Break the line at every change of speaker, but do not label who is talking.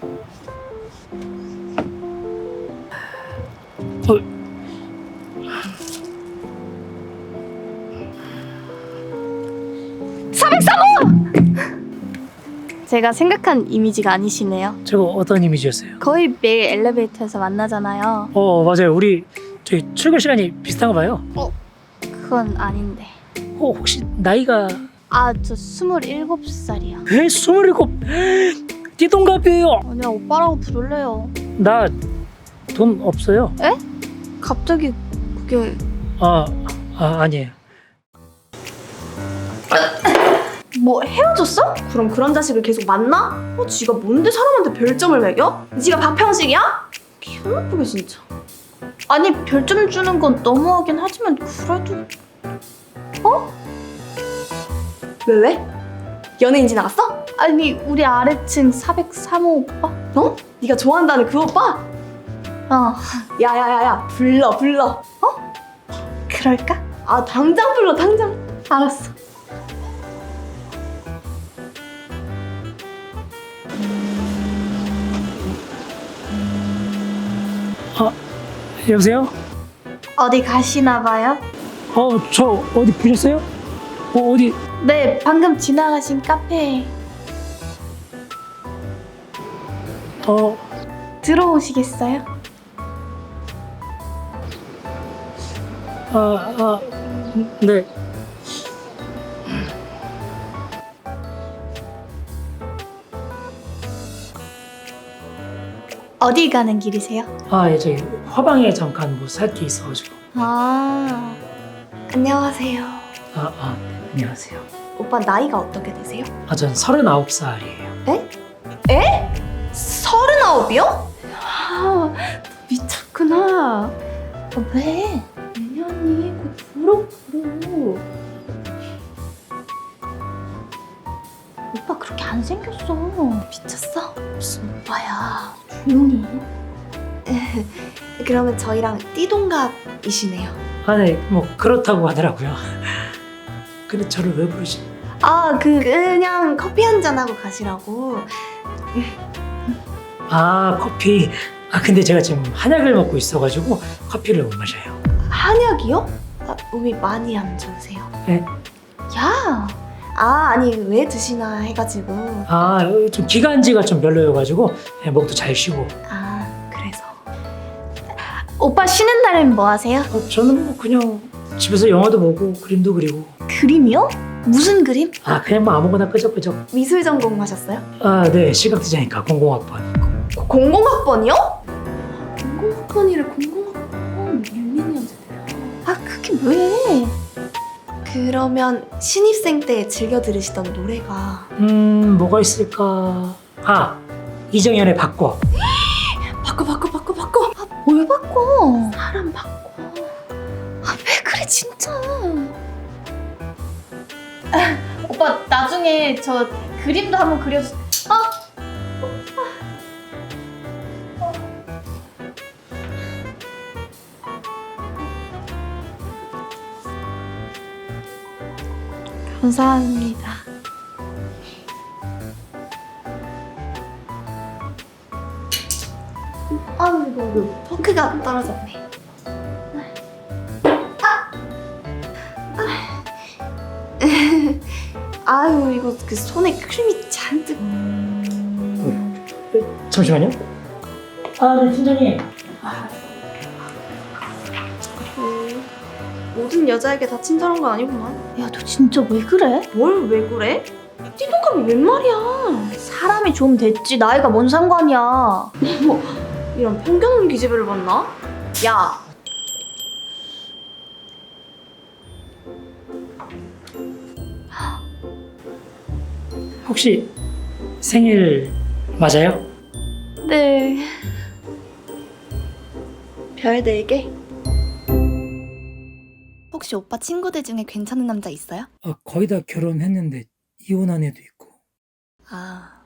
제가 생각한 이미지가 아니시네요.
저거 어떤 이미지였어요?
거의 매일 엘리베이터에서 만나잖아요.
맞아요. 우리 저희 출근 시간이 비슷한가 봐요.
그건 아닌데.
혹시 나이가
저 27살이요.
27? 띠동갑이에요.
그냥 오빠라고 부를래요.
나 돈 없어요.
갑자기 그게...
아니에요.
뭐 헤어졌어? 그럼 그런 자식을 계속 만나? 지가 뭔데 사람한테 별점을 매겨? 지가 박평식이야? 기분 나쁘게 진짜.
아니 별점 주는 건 너무하긴 하지만 그래도...
왜? 연예인지 나갔어?
아니 우리 아래층 403호 오빠?
네가 좋아한다는 그 오빠? 야야야야 불러.
그럴까?
당장 불러 당장.
알았어.
여보세요?
어디 가시나 봐요?
저 어디 보셨어요? 어디?
네, 방금 지나가신 카페에 들어오시겠어요?
네.
어디 가는 길이세요?
예, 저기 화방에 잠깐 뭐 살 게 있어가지고.
안녕하세요.
안녕하세요.
오빠 나이가 어떻게 되세요?
전 39살이에요.
39이요? 미쳤구나.
왜?
내년이 곧 졸업으로.
오빠 그렇게 안 생겼어.
미쳤어?
무슨 오빠야.
조용히 해. 그러면 저희랑 띠동갑이시네요.
네, 뭐 그렇다고 하더라고요. 근데 저를 왜 부르시?
그냥 커피 한잔 하고 가시라고.
커피. 근데 제가 지금 한약을 먹고 있어가지고 커피를 못 마셔요.
한약이요? 몸이 많이 안 좋으세요?
네?
야! 아니 왜 드시나 해가지고.
좀 기관지가 좀 별로여가지고 목도 잘 쉬고.
그래서.
오빠 쉬는 날엔 뭐 하세요?
저는 뭐 그냥 집에서 영화도 보고 그림도 그리고.
그림이요? 무슨 그림?
그냥 뭐 아무거나 끄적끄적.
미술 전공하셨어요?
네, 시각디자인과 00학번.
00학번이요? 00학번이래 00학번 유민이었잖아요.
그게 왜?
그러면 신입생 때 즐겨 들으시던 노래가
뭐가 있을까? 이정현의 바꿔.
바꿔.
뭘 바꿔?
사람 바꿔.
왜 그래 진짜. 오빠 나중에 저 그림도 한번 그려주... 감사합니다.
이거 포크가 떨어졌네. 아유 이거 그 손에 크림이 잔뜩.
잠시만요. 네, 팀장님.
모든 여자에게 다 친절한 건 아니구만.
야 너 진짜 왜 그래?
뭘 왜 그래? 띠동갑이 웬 말이야?
사람이 좀 됐지 나이가 뭔 상관이야.
이런 편견 없는 기집애를 봤나? 야,
혹시 생일 맞아요?
네.
별 4개? 혹시 오빠 친구들 중에 괜찮은 남자 있어요?
거의 다 결혼했는데 이혼한 애도 있고.